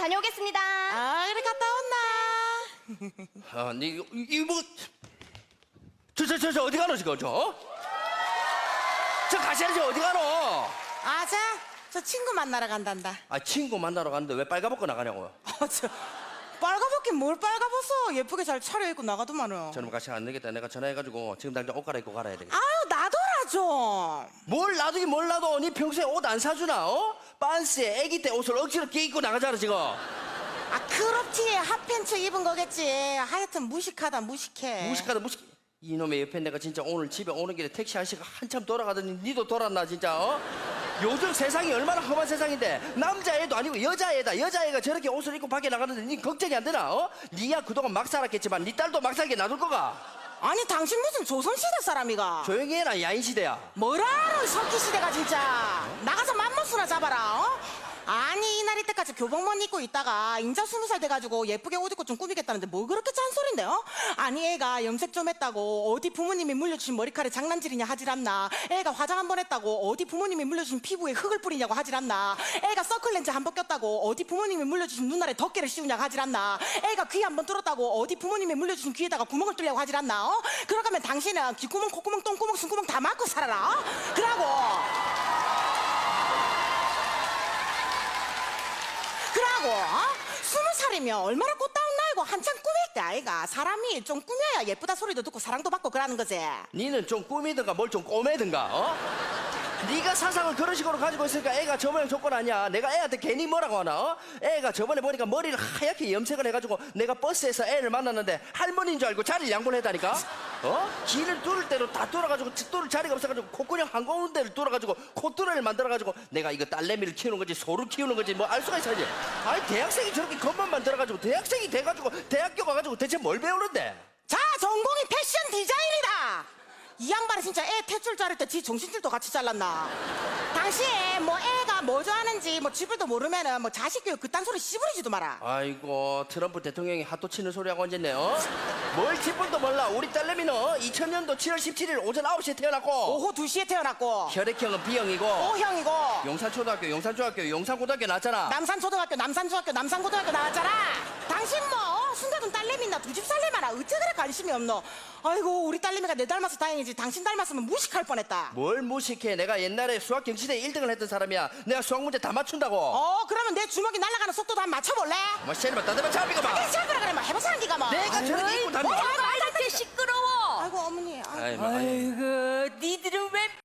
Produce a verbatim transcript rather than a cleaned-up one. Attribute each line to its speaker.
Speaker 1: 다녀오겠습니다.
Speaker 2: 아, 그래 갔다 온나?
Speaker 3: 아, 니 이거 이거 뭐? 저저 저 저 어디 가노 지금 저? 저 가시야지 어디 가노?
Speaker 2: 아자, 저 친구 만나러 간단다.
Speaker 3: 아 친구 만나러 갔는데 왜 빨가벗고 나가냐고요?
Speaker 2: 어, 저 빨가벗긴 뭘 빨가벗어? 예쁘게 잘 차려입고 나가더만은.
Speaker 3: 저놈 같이 안 되겠다. 내가 전화해가지고 지금 당장 옷 갈아입고 갈아야 되겠다.
Speaker 2: 아유, 놔둬라 좀.
Speaker 3: 뭘 놔두긴 뭘 놔둬. 니 평소에 옷 안 사주나? 어? 빤스에 애기 때 옷을 억지로 끼 입고 나가잖아 지금.
Speaker 2: 아, 크롭티에 핫팬츠 입은 거겠지. 하여튼 무식하다, 무식해.
Speaker 3: 무식하다 무식. 이놈의 옆에 내가 진짜 오늘 집에 오는 길에 택시 아저씨가 한참 돌아가더니 니도 돌았나 진짜 어? 요즘 세상이 얼마나 험한 세상인데 남자애도 아니고 여자애다. 여자애가 저렇게 옷을 입고 밖에 나가는데 니 걱정이 안 되나? 어? 니야 그동안 막 살았겠지만 니 딸도 막 살게 놔둘 거가?
Speaker 2: 아니, 당신 무슨 조선시대 사람이가?
Speaker 3: 조용히 해라 야인시대야.
Speaker 2: 뭐라, 석기시대가 진짜. 나가서 맘모스나 잡아라, 어? 아니, 이날 이때까지 교복만 입고 있다가 인자 스무 살 돼가지고 예쁘게 옷 입고 좀 꾸미겠다는데 뭐 그렇게 잔소린데, 어? 아니, 애가 염색 좀 했다고 어디 부모님이 물려주신 머리카락에 장난질이냐 하질 않나. 애가 화장 한 번 했다고 어디 부모님이 물려주신 피부에 흙을 뿌리냐고 하질 않나. 애가 서클렌즈 한 번 꼈다고 어디 부모님이 물려주신 눈알에 덮개를 씌우냐고 하질 않나. 애가 귀 한 번 뚫었다고 어디 부모님이 물려주신 귀에다가 구멍을 뚫려고 하질 않나, 어? 그러가면 당신은 귀구멍, 콧구멍, 똥구멍, 숨구멍 다 막고 살아라, 어? 그러고 그러고 어? 스무 살이면 얼마나 꽃다운 나이고 한참 꾸밀 때 아이가. 사람이 좀 꾸며야 예쁘다 소리도 듣고 사랑도 받고 그러는 거지.
Speaker 3: 니는 좀 꾸미든가 뭘 좀 꼬매든가 어? 네가 사상을 그런 식으로 가지고 있으니까 애가 저 모양 조건 아니야. 내가 애한테 괜히 뭐라고 하나? 어? 애가 저번에 보니까 머리를 하얗게 염색을 해가지고 내가 버스에서 애를 만났는데 할머니인 줄 알고 자리를 양보를 했다니까? 어? 길을 뚫을 대로 다 뚫어가지고 뚫을 자리가 없어가지고 콧구녕 한 군데를 뚫어가지고 콧뚜레를 만들어가지고 내가 이거 딸내미를 키우는 거지 소를 키우는 거지 뭐 알 수가 있어야지. 아니 대학생이 저렇게 겉만 만들어가지고 대학생이 돼가지고 대학교 가가지고 대체 뭘 배우는데?
Speaker 2: 자, 전공이 패션 디자인이다. 이 양반이 진짜 애 탯줄 자를 때 지 정신줄도 같이 잘랐나. 당신 뭐 애가 뭐 좋아하는지 뭐 쥐뿔도 모르면은 뭐 자식 교육 그딴 소리 씨부리지도 마라.
Speaker 3: 아이고 트럼프 대통령이 핫도 치는 소리하고 앉았네. 어? 뭘 기분도 몰라. 우리 딸내미는 이천 년도 칠월 십칠일 오전 아홉 시에 태어났고
Speaker 2: 오후 두 시에 태어났고
Speaker 3: 혈액형은 B형이고
Speaker 2: O형이고
Speaker 3: 용산초등학교 용산중학교 용산고등학교 나왔잖아.
Speaker 2: 남산초등학교 남산중학교 남산고등학교 나왔잖아. 당신 뭐 순간은 딸내미나 두 집 살래마나 어째 그래 관심이 없노. 아이고, 우리 딸내미가 내 닮아서 다행이지 당신 닮았으면 무식할 뻔했다.
Speaker 3: 뭘 무식해. 내가 옛날에 수학 경시대 일 등을 했던 사람이야. 내가 수학 문제 다 맞춘다고.
Speaker 2: 어, 그러면 내 주먹이 날아가는 속도도 한번 맞춰볼래?
Speaker 3: 뭐 씨발 따대면 잡히가 봐.
Speaker 2: 그래, 잡으라 그래. 뭐 해보자는 기가 뭐.
Speaker 3: 내가 저렇게 입고 다니고.
Speaker 1: 말할 때 시끄러워.
Speaker 2: 아이고, 어머니. 아이고.
Speaker 3: 아이, 뭐, 아이.
Speaker 1: 아이고, 니들은 왜